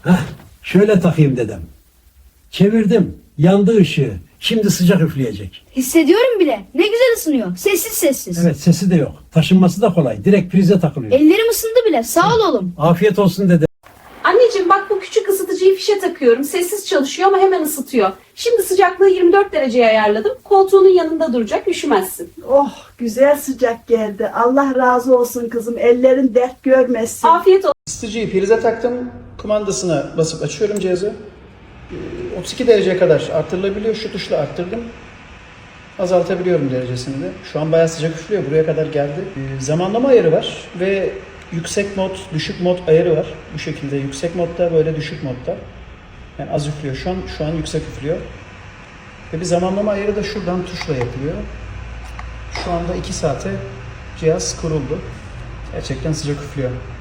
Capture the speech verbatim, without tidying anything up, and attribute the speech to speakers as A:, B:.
A: Heh, şöyle takayım dedim. Çevirdim. Yandı ışığı. Şimdi sıcak üfleyecek.
B: Hissediyorum bile. Ne güzel ısınıyor. Sessiz sessiz.
A: Evet, sesi de yok. Taşınması da kolay. Direkt prize takılıyor.
B: Ellerim ısındı bile. Sağ ol oğlum.
A: Afiyet olsun dedim.
C: Anneciğim bak bu küçük ısıtıcıyı fişe takıyorum. Sessiz çalışıyor ama hemen ısıtıyor. Şimdi sıcaklığı yirmi dört dereceye ayarladım. Koltuğunun yanında duracak, üşümezsin.
D: Oh, güzel sıcak geldi. Allah razı olsun kızım. Ellerin dert görmesin.
C: Afiyet olsun.
E: Isıtıcıyı prize taktım. Kumandasına basıp açıyorum cihazı. Ee, otuz iki dereceye kadar arttırılabiliyor. Şu tuşla arttırdım. Azaltabiliyorum derecesini de. Şu an bayağı sıcak üflüyor. Buraya kadar geldi. Ee, zamanlama ayarı var ve yüksek mod, düşük mod ayarı var. Bu şekilde yüksek modda, böyle düşük modda. Yani az üflüyor. Şu an şu an yüksek üflüyor. Ve bir zamanlama ayarı da şuradan tuşla yapılıyor. Şu anda iki saate cihaz kuruldu. Gerçekten sıcak üflüyor.